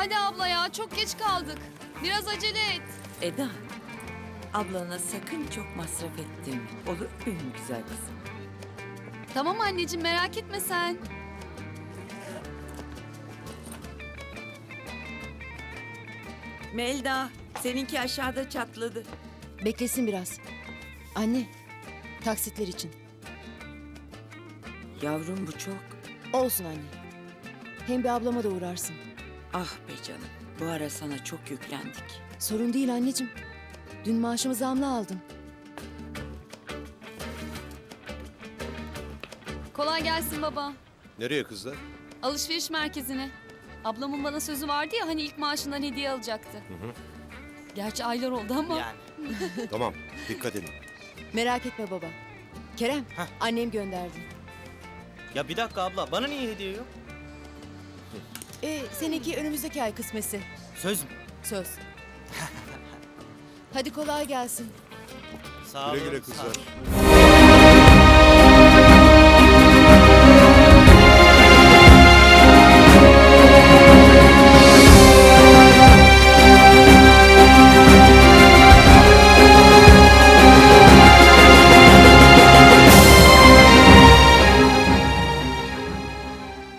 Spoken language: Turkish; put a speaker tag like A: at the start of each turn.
A: Hadi abla ya, çok geç kaldık. Biraz acele et.
B: Eda, ablana sakın çok masraf ettirme. Olur mu benim güzel kızım?
A: Tamam anneciğim, merak etme sen.
B: Melda, seninki aşağıda çatladı.
C: Beklesin biraz. Anne, taksitler için.
B: Yavrum bu çok.
C: Olsun anne. Hem bir ablama da uğrarsın.
B: Ah be canım, bu ara sana çok yüklendik.
C: Sorun değil anneciğim. Dün maaşımı zamla aldım.
A: Kolay gelsin baba.
D: Nereye kızlar?
A: Alışveriş merkezine. Ablamın bana sözü vardı ya, hani ilk maaşından hediye alacaktı. Gerçi aylar oldu ama.
E: Yani.
D: Tamam, dikkat edin.
C: Merak etme baba. Kerem,
E: Heh.
C: annem gönderdi.
E: Ya bir dakika abla, bana niye hediye yok?
C: Seninki önümüzdeki ay kısmesi.
E: Söz mü?
C: Söz. Hadi kolay gelsin.
E: Sağ
D: Güle
E: olun.
D: güle
E: sağ
D: kızlar.
E: olun.